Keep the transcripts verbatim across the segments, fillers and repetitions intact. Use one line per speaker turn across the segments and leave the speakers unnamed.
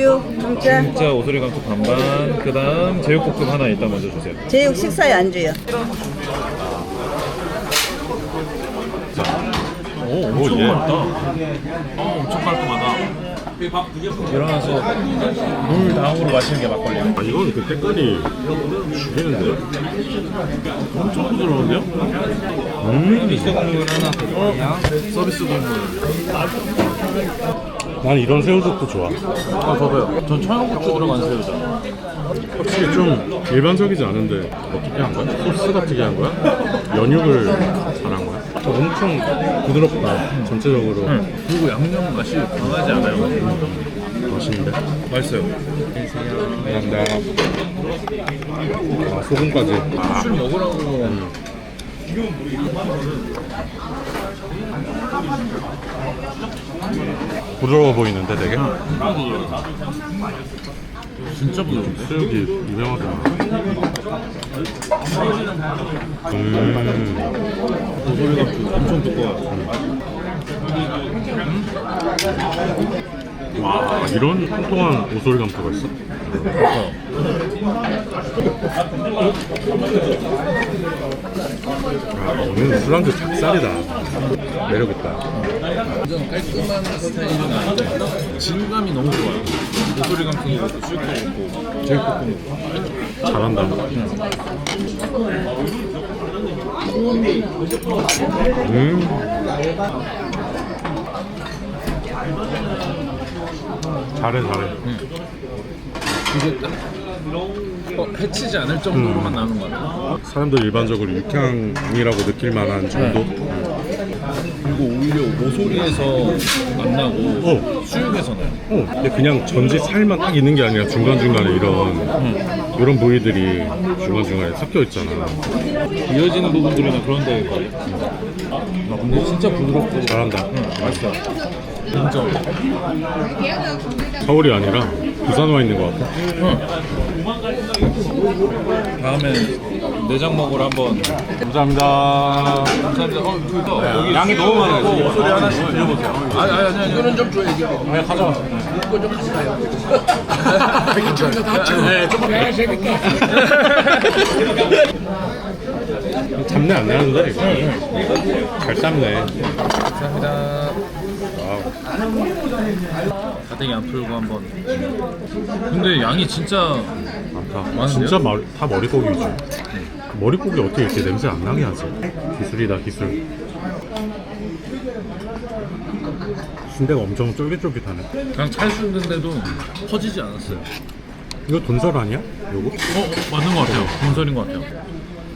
우유 중짜.
진짜 오소리 감투 반반. 그 다음 제육볶음 하나 일단 먼저 주세요.
제육 식사에 안주요.
오, 엄청 맑다. 어, 엄청 깔끔하다. 일어나서 물 다음으로 마시는 게 막걸리야.
아 이건 그 색깔이 죽이는데요?
엄청 부드러운데요?
음
서비스 국물 하나 드릴게요. 서비스 국물.
난 이런 새우젓도 좋아.
아, 저도요. 전 청양고추 들어간 새우젓.
확실히 좀 일반적이지 않은데 어떻게 한 거야? 소스가 특이한 거야? 연육을 잘한 거야? 엄청 부드럽다 전체적으로.
응. 그리고 양념 맛이 강하지 않아요.
맛있는데?
맛있어요.
감사합니다. 아, 소금까지. 아,
술 먹으라고.
음. 부드러워 보이는데 되게?
진짜 부드러운데?
수육이 유명하잖아. 음.
고소리가 엄청 두꺼워요.
와 이런 통통한 오소리 감투가 있어? 아 오늘 술안주 작살이다. 매력있다.
완전 깔끔한 스타일은 아닌데 질감이 너무 좋아요. 고소리 감투도 있고 수육도 있고 제육볶음도 있고.
잘한다. 음. 잘해 잘해.
이게 딱 어, 해치지 않을 정도로만 음. 나오는 것 같아요.
사람들 일반적으로 육향이라고 느낄 만한 정도?
그리고 오히려 모소리에서 안 나고
어.
수육에서 나요.
어, 근데 그냥 전지 살만 딱 있는 게 아니라 중간중간에 이런
음.
이런 부위들이 중간중간에 섞여 있잖아.
이어지는 부분들이나 그런 데일 거예요. 아, 근데 진짜 부드럽고
잘한다.
응, 맛있어요. 인정.
서울이 아니라 부산 와 있는 것 같아.
다음에 내장 먹으러 한번.
감사합니다.
감사합니다. 어, 그거
네,
여기
양이 너무 많아요.
소리 하나씩 드려보세요. 아니 아니 아니. 이거는 좀 줘요. 이거.
네, 가져와.
이거 좀 가져가요. 이쪽에서 다 합치고. 네, 조금 더 재밌게.
잡내 안 나는데 이거? 잘 삶네.
감사합니다.
와우.
가뜩이 안 풀고 한번. 근데 양이 진짜
많다.
많은데요?
진짜 마, 다 머릿고기지. 머릿고기 어떻게 이렇게 냄새 안 나게 하지? 기술이다 기술. 순대가 엄청 쫄깃쫄깃하네.
그냥 찰수있는데도 퍼지지 않았어요.
이거 돈설 아니야? 요거?
어, 맞는 것 같아요. 본설인 것 같아요.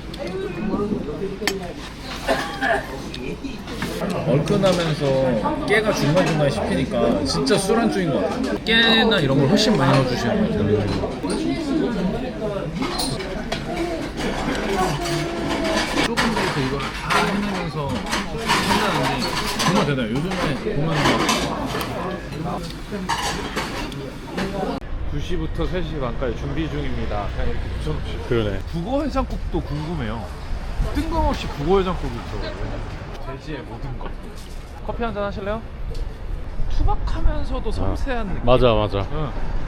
얼큰하면서 깨가 중간중간 씹히니까 진짜 술안주인 것 같아요. 깨나 이런 걸 훨씬 많이 넣어주시는 것 같아요. 조금 더 이걸 다 해내면서 한다는데 정말 대단해요. 요즘에 보면 막 두 시부터 세 시 반까지 준비 중입니다. 그냥 이렇게 붙여놓으시고.
그러네.
북어 해장국도 궁금해요. 뜬금없이 북어 해장국이 있어요. 돼지의 모든 것. 커피 한잔 하실래요? 투박하면서도 섬세한 느낌.
맞아 맞아.
응.